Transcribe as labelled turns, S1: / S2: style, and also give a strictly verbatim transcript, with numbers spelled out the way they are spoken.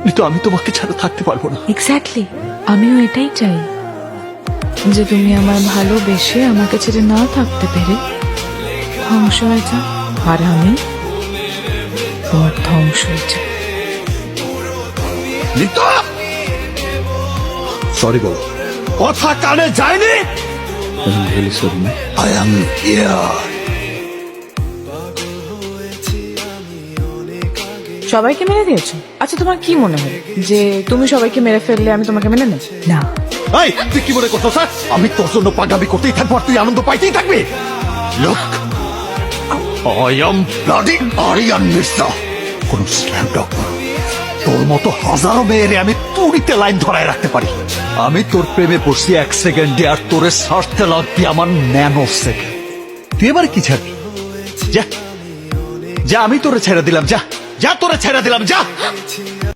S1: কিন্তু আমি তোমাকে ছাড়া থাকতে পারবো না।
S2: এক্স্যাক্টলি, আমিও এটাই চাই যে তুমি আমার ভালোবেসে আমাকে ছেড়ে না থাকতে পেরে ধ্বংস হয়ে যাও, আর আমি তোমার ধ্বংস হয়ে যাই।
S1: সরি বলো। কথা কানে যায়নি। I am here.
S2: সবাইকে মেরে দিয়েছো? আচ্ছা, তোমার কি মনে হয় যে তুমি সবাইকে মেরে ফেললে আমি তোমাকে মেনে নেব? না।
S1: এই তুই কি মনে করছো স্যার আমি তোর জন্য পাগামি করতেই থাকবো আর তুই আনন্দ পাইতেই থাকবি? Look, I am bloody Aryan Mirza, কোন স্ল্যাম ডগ না। তোর মতো হাজারো মেয়েরে আমি তুড়িতে লাইন ধরায় রাখতে পারি। আমি তোর প্রেমে পড়ছি এক সেকেন্ডে, আর তোরে সারতে লাগবি আমার ন্যানো সেকেন্ড। তুই এবার কি ছাড়বি? যা যা, আমি তোরে ছেড়ে দিলাম, যা যা, তোরে ছেড়ে দিলাম, যা।